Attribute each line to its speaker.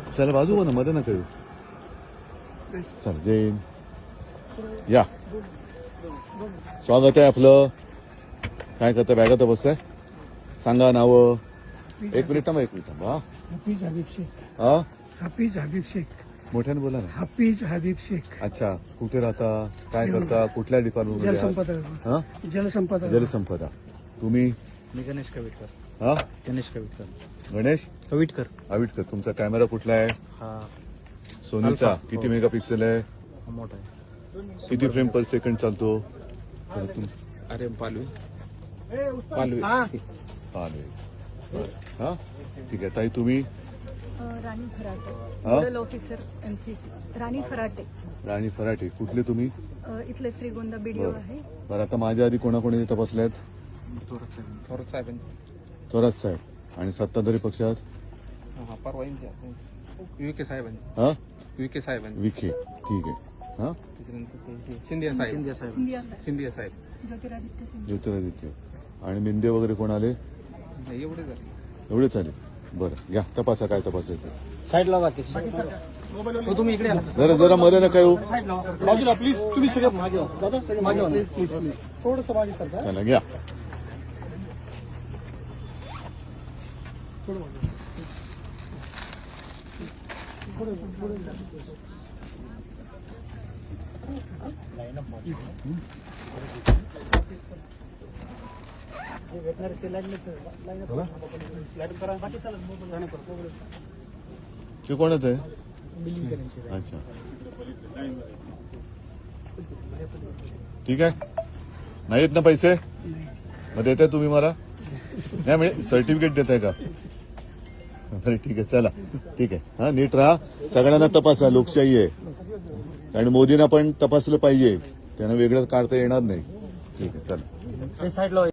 Speaker 1: चला बाजू हो ना, मध्ये नका येऊ. चल जैन या, स्वागत आहे आपलं. काय करता, बॅगात बसताय? सांगा नावं. एक मिनिट थांबा, एक मिनिट थांबा.
Speaker 2: हाफिज हबीब शेख.
Speaker 1: हा,
Speaker 2: हाफिज हबीब शेख.
Speaker 1: मोठ्याने बोला ना.
Speaker 2: हाफिज हबीब शेख.
Speaker 1: अच्छा, कुठे राहता, काय करता, कुठल्या डिपार्टमेंट?
Speaker 2: जलसंपदा.
Speaker 1: हा,
Speaker 2: जलसंपदा.
Speaker 1: जलसंपदा. तुम्ही?
Speaker 3: मी गणेश कविटकर.
Speaker 1: हा,
Speaker 3: गणेश कविटकर.
Speaker 1: गणेश
Speaker 3: कविटकर.
Speaker 1: आविटकर. तुमचा कॅमेरा कुठला आहे?
Speaker 3: हा
Speaker 1: सोनीचा.
Speaker 3: अल्फा.
Speaker 1: किती मेगापिक्सेल आहे?
Speaker 3: मोठा आहे.
Speaker 1: किती फ्रेम पर सेकंड चालतो?
Speaker 3: अरे पालवी. पालवी.
Speaker 1: चालेल. हा, ठीक आहे ताई. तुम्ही?
Speaker 4: राणी फराटे,
Speaker 1: हा?
Speaker 4: Nodal officer MCC. Rani Farate.
Speaker 1: Rani Farate. कुठले तुम्ही?
Speaker 4: इथले श्रीगोंदा बीडीओ आहे.
Speaker 1: बरं, आता माझ्या आधी कोणाकोणी तपासल्यात?
Speaker 3: थोरात साहेब.
Speaker 1: थोरात साहेब. आणि सत्ताधारी पक्षात?
Speaker 3: हा परवा विखे साहेबांनी.
Speaker 1: हा,
Speaker 3: विखे साहेबांनी.
Speaker 1: विखे. ठीक आहे. हा,
Speaker 3: त्याच्यानंतर सिंधिया साहेब.
Speaker 4: सिंधिया साहेब.
Speaker 3: सिंधिया साहेब.
Speaker 4: ज्योतिरादित्य सिंधिया.
Speaker 1: ज्योतिरादित्य. आणि मिंदे वगैरे कोण आले?
Speaker 3: एवढे झाले.
Speaker 1: एवढेच आले. बरं, घ्या तपासा काय तपासायचं.
Speaker 3: साईडला बाकी तुम्ही इकडे
Speaker 1: जरा जरा मध्ये नका येऊ.
Speaker 2: बाजूला प्लीज. तुम्ही सगळे मागे व्हा. दादा सगळे मागे व्हा. Please please. थोडंसं मागे सरका.
Speaker 1: चला घ्या.
Speaker 2: थोडं मागे.
Speaker 1: ते कोणच आहे? अच्छा, ठीक आहे. नाही येत ना पैसे? मग देताय तुम्ही मला? नाही म्हणजे सर्टिफिकेट देताय का? बरं, ठीक आहे. चला, ठीक आहे. हा, नीट राहा. सगळ्यांना तपासा. लोकशाही आहे आणि मोदींना पण तपासलं पाहिजे. त्यांना वेगळं काढता येणार नाही. ठीक आहे, चला.
Speaker 3: साईडला